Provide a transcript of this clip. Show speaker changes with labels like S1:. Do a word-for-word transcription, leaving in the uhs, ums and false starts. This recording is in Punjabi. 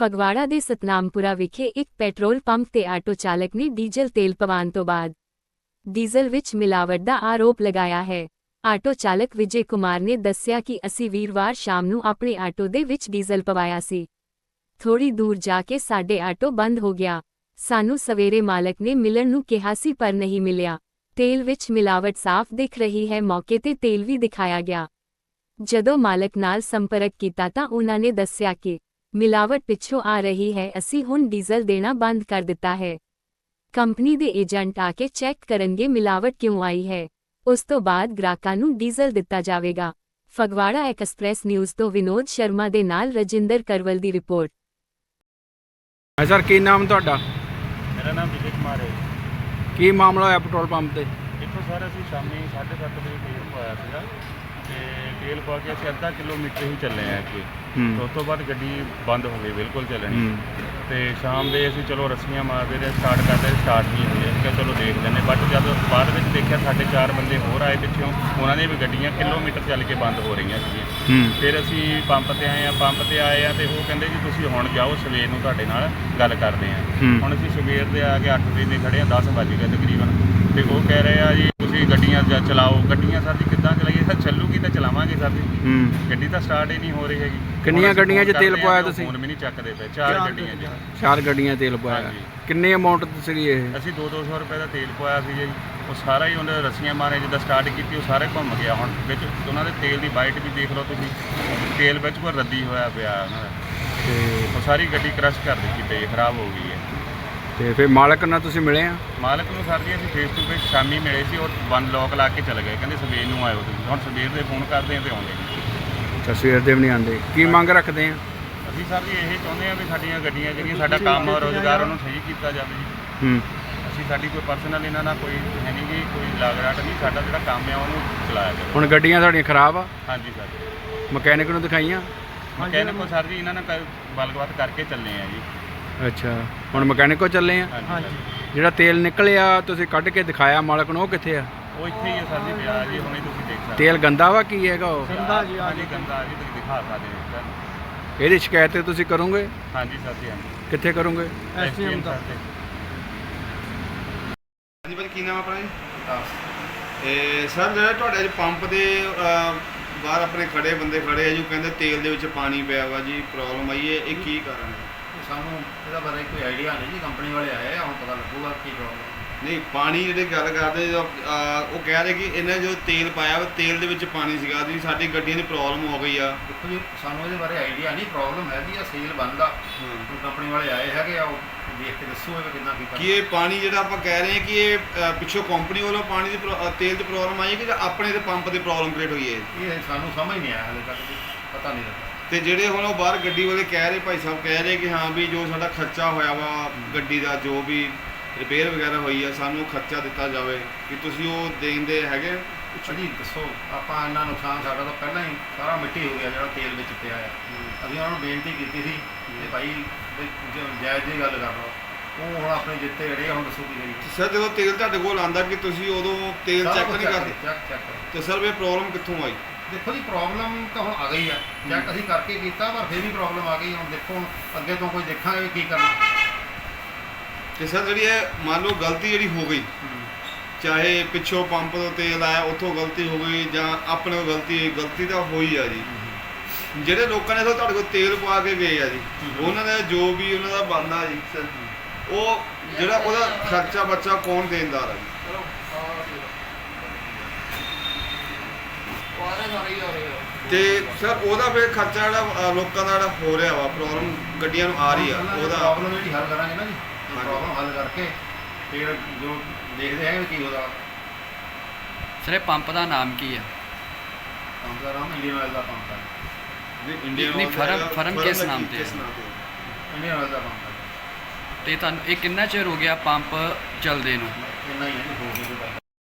S1: ਫਗਵਾੜਾ ਦੇ ਸਤਨਾਮਪੁਰਾ ਵਿਖੇ ਇੱਕ ਪੈਟਰੋਲ ਪੰਪ ਤੇ ਆਟੋ ਚਾਲਕ ਨੇ ਡੀਜ਼ਲ ਤੇਲ ਪਵਾਉਣ ਤੋਂ ਬਾਅਦ ਡੀਜ਼ਲ ਵਿੱਚ ਮਿਲਾਵਟ ਦਾ ਆਰੋਪ ਲਗਾਇਆ ਹੈ। ਆਟੋ ਚਾਲਕ ਵਿਜੇ ਕੁਮਾਰ ਨੇ ਦੱਸਿਆ ਕਿ ਅਸੀਂ ਵੀਰਵਾਰ ਸ਼ਾਮ ਨੂੰ ਆਪਣੇ ਆਟੋ ਦੇ ਵਿੱਚ ਡੀਜ਼ਲ ਪਵਾਇਆ ਸੀ। ਥੋੜੀ ਦੂਰ ਜਾ ਕੇ ਸਾਡੇ ਆਟੋ ਬੰਦ ਹੋ ਗਿਆ। ਸਾਨੂੰ ਸਵੇਰੇ ਮਾਲਕ ਨੇ ਮਿਲਣ ਨੂੰ ਕਿਹਾ ਸੀ ਪਰ ਨਹੀਂ ਮਿਲਿਆ। ਤੇਲ ਵਿੱਚ ਮਿਲਾਵਟ ਸਾਫ਼ ਦਿਖ ਰਹੀ ਹੈ। ਮੌਕੇ ਤੇ ਤੇਲ ਵੀ ਦਿਖਾਇਆ ਗਿਆ। ਜਦੋਂ ਮਾਲਕ ਨਾਲ ਸੰਪਰਕ ਕੀਤਾ ਤਾਂ ਉਹਨਾਂ ਨੇ ਦੱਸਿਆ ਕਿ ਮਿਲਾਵਟ ਪਿੱਛੋਂ ਆ ਰਹੀ ਹੈ। ਅਸੀਂ ਹੁਣ ਡੀਜ਼ਲ ਦੇਣਾ ਬੰਦ ਕਰ ਦਿੱਤਾ ਹੈ। ਕੰਪਨੀ ਦੇ ਏਜੰਟ ਆ ਕੇ ਚੈੱਕ ਕਰਨਗੇ ਮਿਲਾਵਟ ਕਿਉਂ ਆਈ ਹੈ। ਉਸ ਤੋਂ ਬਾਅਦ ਗ੍ਰਾਹਕਾਂ ਨੂੰ ਡੀਜ਼ਲ ਦਿੱਤਾ ਜਾਵੇਗਾ। ਫਗਵਾੜਾ ਐਕਸਪ੍ਰੈਸ ਨਿਊਜ਼ ਤੋਂ ਵਿਨੋਦ ਸ਼ਰਮਾ ਦੇ ਨਾਲ ਰਜਿੰਦਰ ਕਰਵਲ ਦੀ ਰਿਪੋਰਟ।
S2: ਹਾਂ ਸਰ, ਕੀ ਨਾਮ ਤੁਹਾਡਾ?
S3: ਮੇਰਾ ਨਾਮ ਵਿਜੇ ਕੁਮਾਰ ਹੈ।
S2: ਕੀ ਮਾਮਲਾ ਹੋਇਆ ਪੈਟਰੋਲ ਪੰਪ ਤੇ?
S3: ਇੱਥੋਂ ਸਰ ਅਸੀਂ ਸ਼ਾਮੀ ਸਾਢੇ ਸੱਤ ਵਜੇ ਤੇਲ ਪਵਾਇਆ ਸੀਗਾ ਤੇ ਤੇਲ ਪਾ ਕੇ ਅਸੀਂ ਅੱਧਾ ਕਿਲੋਮੀਟਰ ਹੀ ਚੱਲੇ ਆ ਕਿ ਉਸ ਤੋਂ ਬਾਅਦ ਗੱਡੀ ਬੰਦ ਹੋ ਗਈ, ਬਿਲਕੁਲ ਚੱਲਣੀ। ਤੇ ਸ਼ਾਮ ਦੇ ਅਸੀਂ ਚਲੋ ਰੱਸੀਆਂ ਮਾਰਦੇ ਰਹੇ, ਸਟਾਰਟ ਕਰਦੇ ਸਟਾਰਟ ਨਹੀਂ ਹੋਈ। ਅਸੀਂ ਕਿਹਾ ਚਲੋ ਦੇਖ ਲੈਂਦੇ, ਬਟ ਜਦ ਬਾਅਦ ਵਿੱਚ ਦੇਖਿਆ ਸਾਡੇ ਚਾਰ ਬੰਦੇ ਹੋਰ ਆਏ ਪਿੱਛੋਂ, ਉਹਨਾਂ ਦੀਆਂ ਵੀ ਗੱਡੀਆਂ ਕਿਲੋਮੀਟਰ ਚੱਲ ਕੇ ਬੰਦ ਹੋ ਰਹੀਆਂ ਸੀਗੀਆਂ। ਫਿਰ ਅਸੀਂ ਪੰਪ ਤੇ ਆਏ ਆ ਪੰਪ ਤੇ ਆਏ ਆ ਤੇ ਉਹ ਕਹਿੰਦੇ ਜੀ ਤੁਸੀਂ ਹੁਣ ਜਾਓ, ਸਵੇਰ ਨੂੰ ਤੁਹਾਡੇ ਨਾਲ ਗੱਲ ਕਰਦੇ ਆ। ਹੁਣ ਅਸੀਂ ਸਵੇਰ ਦੇ ਆ ਕੇ ਅੱਠ ਵਜੇ ਦੇ ਖੜੇ ਆ, ਦਸ ਵੱਜ ਗਏ ਤਕਰੀਬਨ। ਤੇ ਉਹ ਕਹਿ ਰਹੇ ਆ ਜੀ ਤੁਸੀਂ ਗੱਡੀਆਂ ਚਲਾਓ। ਗੱਡੀਆਂ ਸਰ ਜੀ ਕਿੱਦਾਂ ਚਲਾਈਏ? ਸਰ ਚੱਲੂਗੀ ਤਾਂ ਚਲਾਵਾਂਗੇ ਸਰ ਜੀ। ਗੱਡੀ ਤਾਂ ਸਟਾਰਟ ਹੀ ਨਹੀਂ ਹੋ ਰਹੀ ਹੈਗੀ।
S2: ਕਿੰਨੀਆਂ ਗੱਡੀਆਂ 'ਚ ਤੇਲ ਪਵਾਇਆ ਤੁਸੀਂ?
S3: ਫੋਨ ਵੀ ਨਹੀਂ ਚੱਕਦੇ ਪਏ। ਚਾਰ ਗੱਡੀਆਂ 'ਚ
S2: ਚਾਰ ਗੱਡੀਆਂ ਤੇਲ ਪਵਾਇਆ। ਕਿੰਨੀ ਅਮਾਉਂਟ ਸੀਗੀ ਇਹ?
S3: ਅਸੀਂ ਦੋ ਦੋ ਸੌ ਰੁਪਏ ਦਾ ਤੇਲ ਪਵਾਇਆ ਸੀ ਜੀ। ਉਹ ਸਾਰਾ ਹੀ ਉਹਨੇ ਰੱਸੀਆਂ ਮਾਰੇ, ਜਿੱਦਾਂ ਸਟਾਰਟ ਕੀਤੀ ਉਹ ਸਾਰੇ ਘੁੰਮ ਗਿਆ। ਹੁਣ ਵਿੱਚ ਉਹਨਾਂ ਦੇ ਤੇਲ ਦੀ ਬਾਈਟ ਵੀ ਦੇਖ ਲਓ ਤੁਸੀਂ, ਤੇਲ ਵਿੱਚ ਕੋਈ ਰੱਦੀ ਹੋਇਆ ਪਿਆ ਉਹਨਾਂ ਦਾ। ਤੇ ਉਹ ਸਾਰੀ ਗੱਡੀ ਕ੍ਰਸ਼ ਕਰ ਦਿੱਤੀ ਪਈ, ਖਰਾਬ ਹੋ ਗਈ ਹੈ।
S2: ਤੇ ਫਿਰ ਮਾਲਕ ਨਾਲ ਤੁਸੀਂ ਮਿਲੇ ਆ?
S3: ਮਾਲਕ ਨੂੰ ਸਰ ਜੀ ਅਸੀਂ ਫੇਸ ਟੂ ਫੇਸ ਸ਼ਾਮੀ ਮਿਲੇ ਸੀ। ਉਹ ਬੰਦ ਲੋਕ ਲਾ ਕੇ ਚਲੇ ਗਏ, ਕਹਿੰਦੇ ਸਵੇਰ ਨੂੰ ਆਇਓ ਤੁਸੀਂ। ਹੁਣ ਸਵੇਰ ਦੇ ਫੋਨ ਕਰਦੇ ਆ ਤੇ ਆਉਂਦੇ ਨਹੀਂ।
S2: ਅੱਛਾ, ਸਵੇਰ ਦੇ ਵੀ ਨਹੀਂ ਆਉਂਦੇ। ਕੀ ਮੰਗ ਰੱਖਦੇ ਆ?
S3: ਅਸੀਂ ਸਰ ਜੀ ਇਹ ਚਾਹੁੰਦੇ ਆ ਵੀ ਸਾਡੀਆਂ ਗੱਡੀਆਂ ਜਿਹੜੀਆਂ ਸਾਡਾ ਕੰਮ ਰੋਜ਼ਗਾਰ ਉਹਨੂੰ ਸਹੀ ਕੀਤਾ ਜਾਵੇ ਜੀ।
S2: ਹੂੰ
S3: ਅਸੀਂ ਸਾਡੀ ਕੋਈ ਪਰਸਨਲ ਇਹਨਾਂ ਨਾਲ ਕੋਈ ਹੈ ਨਹੀਂ ਗੀ, ਕੋਈ ਲਾਗਰਾਟ ਨਹੀਂ। ਸਾਡਾ ਜਿਹੜਾ ਕੰਮ ਆ ਉਹਨੂੰ ਚਲਾਇਆ ਜਾਵੇ।
S2: ਹੁਣ ਗੱਡੀਆਂ ਤੁਹਾਡੀਆਂ ਖਰਾਬ ਆ?
S3: ਹਾਂਜੀ ਸਰ।
S2: ਮਕੈਨਿਕ ਨੂੰ ਦਿਖਾਈਆਂ?
S3: ਮਕੈਨਿਕ ਕੋ ਸਰ ਜੀ ਇਹਨਾਂ ਨਾਲ ਗੱਲਬਾਤ ਕਰਕੇ ਚੱਲੇ ਆ ਜੀ।
S2: ਅੱਛਾ, ਹੁਣ ਮਕੈਨਿਕ ਕੋ ਚੱਲੇ ਆ?
S3: ਹਾਂਜੀ।
S2: ਜਿਹੜਾ ਤੇਲ ਨਿਕਲਿਆ ਤੁਸੀਂ ਕੱਢ ਕੇ ਦਿਖਾਇਆ ਮਾਲਕ ਨੂੰ, ਉਹ ਕਿੱਥੇ ਆ?
S3: ਉਹ ਇੱਥੇ ਹੀ ਆ ਸਰ ਜੀ, ਪਿਆ ਜੀ, ਹੁਣੇ ਤੁਸੀਂ ਦੇਖ ਸਕਦੇ।
S2: ਤੇਲ ਗੰਦਾ ਵਾ ਕੀ ਹੈਗਾ ਉਹ?
S3: ਗੰਦਾ ਜੀ, ਹਾਂਜੀ ਗੰਦਾ ਜੀ, ਤੁਸੀਂ ਦਿਖਾ ਸਕਦੇ ਹੋ ਸਰ।
S2: ਇਹਦੀ ਸ਼ਿਕਾਇਤ ਤੁਸੀਂ ਕਰੋਗੇ?
S3: ਹਾਂਜੀ ਸਰ ਜੀ। ਹਾਂਜੀ।
S2: ਕਿੱਥੇ ਕਰੋਗੇ?
S3: ਐਸਡੀਐਮ ਸਰ ਤੇ।
S4: ਹਾਂਜੀ ਭਾਈ, ਕੀ ਨਾਮ ਆਪਣਾ ਜੀ? ਇਹ ਸਰ ਜਿਹੜਾ ਤੁਹਾਡੇ ਅੱਜ ਪੰਪ ਦੇ ਬਾਹਰ ਆਪਣੇ ਖੜੇ ਬੰਦੇ ਖੜੇ ਆ ਜੀ, ਕਹਿੰਦੇ ਤੇਲ ਦੇ ਵਿੱਚ ਪਾਣੀ ਪਿਆ ਵਾ ਜੀ, ਪ੍ਰੋਬਲਮ ਆਈ ਹੈ, ਇਹ ਕੀ ਕਾਰਨ ਹੈ?
S5: ਸਾਨੂੰ ਇਹਦਾ ਬਾਰੇ ਕੋਈ ਆਈਡੀਆ ਨਹੀਂ ਜੀ। ਕੰਪਨੀ ਵਾਲੇ ਆਏ ਆ, ਹੁਣ ਪਤਾ ਲੱਗੂਗਾ ਕੀ ਪ੍ਰੋਬਲਮ।
S4: ਨਹੀਂ, ਪਾਣੀ ਜਿਹੜੇ ਗੱਲ ਕਰਦੇ ਉਹ ਕਹਿ ਰਹੇ ਕਿ ਇਹਨੇ ਜੋ ਤੇਲ ਪਾਇਆ ਵਾ ਤੇਲ ਦੇ ਵਿੱਚ ਪਾਣੀ ਸੀਗਾ ਜੀ, ਸਾਡੀ ਗੱਡੀਆਂ ਦੀ ਪ੍ਰੋਬਲਮ ਹੋ ਗਈ ਆ।
S5: ਦੇਖੋ ਜੀ, ਸਾਨੂੰ ਇਹਦੇ ਬਾਰੇ ਆਈਡੀਆ ਨਹੀਂ। ਪ੍ਰੋਬਲਮ ਹੈਗੀ ਆ, ਸੇਲ ਬੰਦ ਆ। ਹੁਣ ਕੰਪਨੀ ਵਾਲੇ ਆਏ ਹੈਗੇ ਆ, ਉਹ ਦੇਖ ਕੇ ਦੱਸੋ ਇਹ ਕਿੰਨਾ ਕੀ
S4: ਕਿ ਇਹ ਪਾਣੀ ਜਿਹੜਾ ਆਪਾਂ ਕਹਿ ਰਹੇ ਹਾਂ ਕਿ ਇਹ ਅ, ਪਿੱਛੋਂ ਕੰਪਨੀ ਵੱਲੋਂ ਪਾਣੀ ਦੀ ਪ੍ਰੋ- ਅ, ਤੇਲ ਦੀ ਪ੍ਰੋਬਲਮ ਆਈ ਹੈ ਕਿ ਜਾਂ ਆਪਣੇ ਦੇ ਪੰਪ ਦੀ ਪ੍ਰੋਬਲਮ ਕ੍ਰੀਏਟ ਹੋਈ ਹੈ?
S5: ਇਹ ਸਾਨੂੰ ਸਮਝ ਨਹੀਂ ਆਇਆ ਹਾਲੇ ਤੱਕ ਜੀ, ਪਤਾ ਨਹੀਂ ਲੱਗਾ।
S4: ਤੇ ਜਿਹੜੇ ਹੁਣ ਉਹ ਬਾਹਰ ਗੱਡੀ ਵਾਲੇ ਕਹਿ ਰਹੇ, ਭਾਈ ਸਾਹਿਬ ਕਹਿ ਰਹੇ ਕਿ ਹਾਂ ਵੀ ਜੋ ਸਾਡਾ ਖਰਚਾ ਹੋਇਆ ਵਾ ਗੱਡੀ ਦਾ, ਜੋ ਵੀ ਰਿਪੇਅਰ ਵਗੈਰਾ ਹੋਈ ਆ, ਸਾਨੂੰ ਖਰਚਾ ਦਿੱਤਾ ਜਾਵੇ, ਕਿ ਤੁਸੀਂ ਉਹ ਦੇਣ ਦੇ ਹੈਗੇ?
S5: ਜੀ ਦੱਸੋ, ਆਪਾਂ ਇੰਨਾ ਨੁਕਸਾਨ ਸਾਡਾ ਤਾਂ ਪਹਿਲਾਂ ਹੀ ਸਾਰਾ ਮਿੱਟੀ ਹੋ ਗਿਆ ਜਿਹੜਾ ਤੇਲ ਵਿੱਚ ਪਿਆ ਆ। ਅਸੀਂ ਉਹਨਾਂ ਨੂੰ ਬੇਨਤੀ ਕੀਤੀ ਸੀ ਕਿ ਭਾਈ ਵੀ ਜ- ਜਾਇਜ਼ ਦੀ ਗੱਲ ਕਰ ਲਓ। ਉਹ ਹੁਣ ਆਪਣੇ ਜਿੱਤੇ ਅੜੇ ਆ, ਹੁਣ ਦੱਸੋ ਕੀ ਕਰੀਏ।
S4: ਸਰ ਜਦੋਂ ਤੇਲ ਤੁਹਾਡੇ ਕੋਲ ਆਂਦਾ ਕਿ ਤੁਸੀਂ ਉਦੋਂ ਤੇਲ
S5: ਸਾਰਾ
S4: ਚੈੱਕ
S5: ਕੁਛ
S4: ਨਹੀਂ ਕਰਦੇ,
S5: ਚੈੱਕ ਚੈੱਕ ਕਰੋ।
S4: ਤੇ ਸਰ ਇਹ ਪ੍ਰੋਬਲਮ ਕਿੱਥੋਂ ਆਈ?
S5: ਦੇਖੋ ਜੀ, ਪ੍ਰੋਬਲਮ ਤਾਂ ਹੁਣ ਆ ਗਈ ਆ। ਚੈੱਕ ਅਸੀਂ ਕਰਕੇ ਕੀਤਾ, ਪਰ ਫਿਰ ਵੀ ਪ੍ਰੋਬਲਮ ਆ ਗਈ। ਹੁਣ ਦੇਖੋ, ਹੁਣ ਅੱਗੇ ਤੋਂ ਕੋਈ ਦੇਖਾਂਗੇ ਵੀ ਕੀ ਕਰਨਾ।
S4: ਤੇ ਸਰ ਜਿਹੜੀ ਇਹ ਮੰਨ ਲਓ ਗਲਤੀ ਜਿਹੜੀ ਹੋ ਗਈ, ਚਾਹੇ ਪਿੱਛੋਂ ਪੰਪ ਤੋਂ ਤੇਲ ਆਇਆ ਉੱਥੋਂ ਗਲਤੀ ਹੋ ਗਈ ਜਾਂ ਆਪਣੇ ਕੋਲ ਗਲਤੀ ਹੋਈ, ਗਲਤੀ ਤਾਂ ਹੋਈ ਆ ਜੀ। ਜਿਹੜੇ ਲੋਕਾਂ ਨੇ ਤੁਹਾਡੇ ਕੋਲ ਤੇਲ ਪਵਾ ਕੇ ਗਏ ਆ ਜੀ, ਉਹਨਾਂ ਦਾ ਜੋ ਵੀ ਉਹਨਾਂ ਦਾ ਬਣਦਾ ਜੀ, ਉਹ ਜਿਹੜਾ ਉਹਦਾ ਖਰਚਾ ਬੱਚਾ ਕੌਣ ਦੇਣਦਾਰ ਹੈ ਜੀ? ਤੇ ਸਰ ਉਹਦਾ ਫਿਰ ਖਰਚਾ ਜਿਹੜਾ ਅ, ਲੋਕਾਂ ਦਾ ਜਿਹੜਾ ਹੋ ਰਿਹਾ ਵਾ, ਪ੍ਰੋਬਲਮ ਗੱਡੀਆਂ ਨੂੰ ਆ ਰਹੀ ਆ, ਉਹਦਾ
S5: ਪ੍ਰੋਬਲਮ ਜਿਹੜੀ ਹੱਲ ਕਰਾਂਗੇ ਨਾ ਜੀ। ਪ੍ਰੋਬਲਮ ਹੱਲ ਕਰਕੇ ਫਿਰ ਜੋ ਦੇਖਦੇ ਹੈਗੇ ਕੀ ਉਹਦਾ।
S6: ਸਰ, ਇਹ ਪੰਪ ਦਾ ਨਾਮ ਕੀ ਹੈ?
S5: ਪੰਪ ਦਾ ਨਾਮ ਇੰਡੀਅਨ ਆਇਲ ਦਾ ਪੰਪ ਹੈ।
S4: ਇੰਡੀਅਨ
S6: ਨਹੀਂ, ਫਰਮ-
S4: ਦਾ-
S6: ਫਰਮ
S4: ਦਾ
S6: ਕਿਸ
S4: ਕੀ-
S6: ਨਾਮ ਤੇ
S4: ਕਿਸ
S6: ਹੈ?
S4: ਨਾਮ ਤੇ?
S5: ਇੰਡੀਅਨ ਆਇਲ ਦਾ ਪੰਪ ਹੈ।
S6: ਤੇ ਤੁਹਾਨੂੰ ਇਹ ਕਿੰਨਾ ਚਿਰ ਹੋ ਗਿਆ ਪੰਪ ਚੱਲਦੇ ਨੂੰ?
S5: ਇੰਨਾ ਹੀ ਹੈ ਜੀ, ਹੋ ਗਿਆ।